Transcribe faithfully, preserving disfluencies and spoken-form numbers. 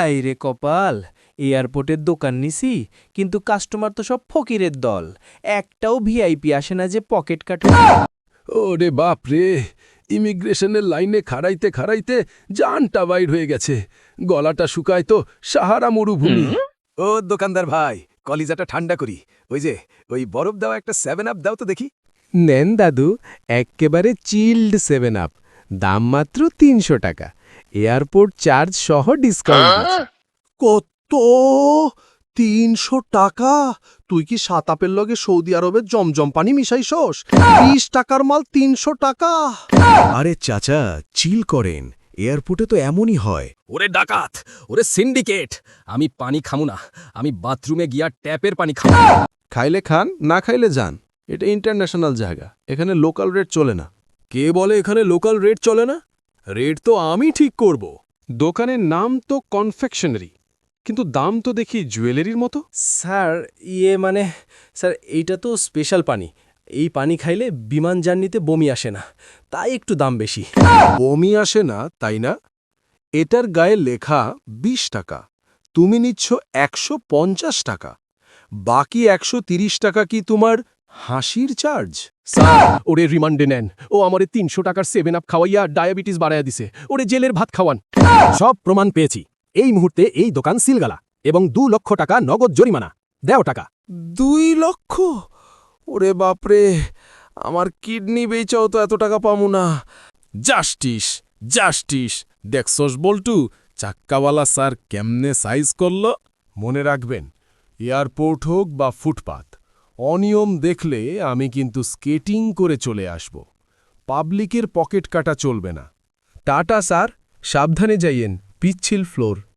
High রে কপাল, এয়ারপোর্টের দোকান নিছি, কিন্তু কাস্টমার তো সব ফকিরের দল। একটাও ভিআইপি আসে না যে পকেট কাটে। ওরে বাপ রে, ইমিগ্রেশনের লাইনে খাড়াইতে খাড়াইতে জানটা বাইর হয়ে গেছে। গলাটা শুকায় তো সাহারা মরুভূমি। ও দোকানদার ভাই, কলিজাটা ঠান্ডা করি। ওই যে ওই বরফ দেওয়া একটা সেভেন আপ দাও তো দেখি। নেন দাদু, এক্কেবারে চিল্ড সেভেন আপ, দাম মাত্র তিনশো টাকা, এয়ারপোর্ট চার্জ সহ ডিসকাউন্ট। কত? তিনশো টাকা? তুই কি সাতাপের লগে সৌদি আরবের জমজম পানি মিশাইছস? বিশ টাকার মাল তিনশো টাকা? আরে চাচা, চিল করেন, এয়ারপোর্টে তো এমনই হয়। ওরে ডাকাত, ওরে সিন্ডিকেট, আমি পানি খামু না। আমি বাথরুমে গিয়া ট্যাপের পানি খামু। খাইলে খান, না খাইলে যান। এটা ইন্টারন্যাশনাল জায়গা, এখানে লোকাল রেট চলে না। কে বলে এখানে লোকাল রেট চলে না? রেট তো আমি ঠিক করব। দোকানের নাম তো কনফেকশনারি, কিন্তু দাম তো দেখি জুয়েলারির মতো। স্যার, ইয়ে মানে স্যার, এইটা তো স্পেশাল পানি। এই পানি খাইলে বিমান জার্নিতে বমি আসে না, তাই একটু দাম বেশি। বমি আসে না, তাই না? এটার গায়ে লেখা বিশ টাকা, তুমি নিচ্ছ একশো পঞ্চাশ টাকা। বাকি একশো তিরিশ টাকা কি তোমার হাসির চার্জ? স্যার, ওরে রিমান্ডে নেন। ও আমারে তিনশো টাকার সেভেন আপ খাওয়াইয়া ডায়াবেটিস বাড়াইয়া দিছে। ওরে জেলের ভাত খাওয়ান। সব প্রমাণ পেয়েছি। এই মুহূর্তে এই দোকান সিলগালা এবং দু লক্ষ টাকা নগদ জরিমানা। দেও টাকা। দুই লক্ষ? ওরে বাপরে, আমার কিডনি বেচাও তো এত টাকা পামু না। Justice, justice. দেখছস বল্টু, চাক্কাওয়ালা স্যার কেমনে সাইজ করল? মনে রাখবেন, এয়ারপোর্ট হোক বা ফুটপাত, অনিয়ম দেখলে আমি কিন্তু স্কেটিং করে চলে আসব। পাবলিকের পকেট কাটা চলবে না। টাটা স্যার, সাবধানে যাইয়েন, পিচ্ছিল ফ্লোর।